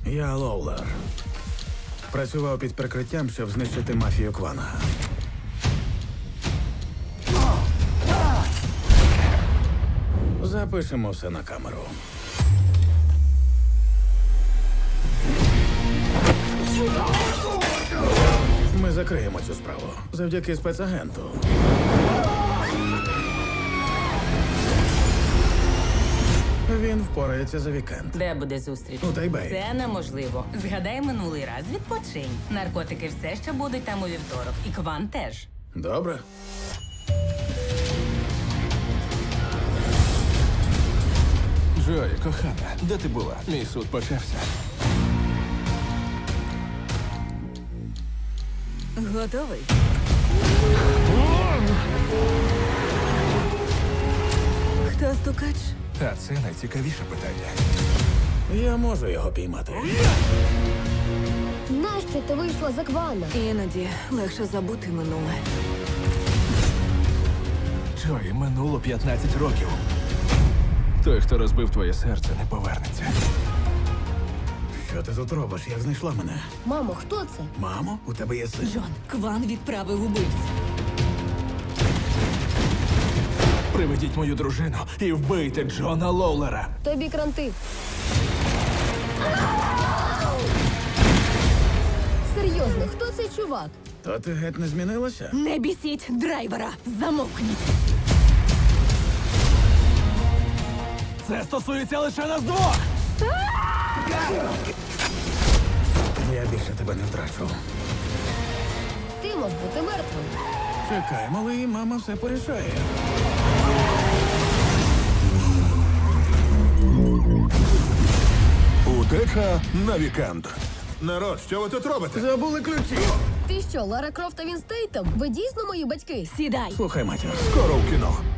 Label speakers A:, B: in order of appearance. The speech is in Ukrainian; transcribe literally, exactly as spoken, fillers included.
A: Я Лоулер. Працював під прикриттям, щоб знищити мафію Кванга. Запишемо все на камеру. Ми закриємо цю справу завдяки спецагенту. Він впорається за вікенд.
B: Де буде зустріч?
A: У Тайбеї.
B: Це неможливо. Згадай минулий раз, відпочинь. Наркотики все ще будуть там у вівторок. І Кван теж.
A: Добре.
C: Джої, кохана, де ти була? Мій суд почався.
B: Готовий? Хто стукач?
C: А це найцікавіше питання.
A: Я можу його піймати.
D: Нащо ти вийшла за Квана?
B: Іноді легше забути минуле.
C: Джої, минуло п'ятнадцять років. Той, хто розбив твоє серце, не повернеться.
A: Що ти тут робиш? Як знайшла мене?
D: Мамо, хто це?
A: Мамо, у тебе є син?
B: Джон, Кван відправив убивць.
C: Приведіть мою дружину і вбийте Джона Лоулера.
D: Тобі кранти. Серйозно, хто цей чувак?
A: То ти геть не змінилася?
B: Не бісіть драйвера! Замовкніть!
C: Це стосується лише нас двох!
A: Я більше тебе не втрачу.
D: Ти мав бути мертвим.
A: Чекай, малий, мама все порішає.
E: Утеча на вікенд. Народ, що ви тут робите?
A: Забули ключі.
D: Ти що, Лара Крофт та Він Стейтем? Ви дійсно мої батьки?
B: Сідай!
A: Слухай, матір.
E: Скоро в кіно.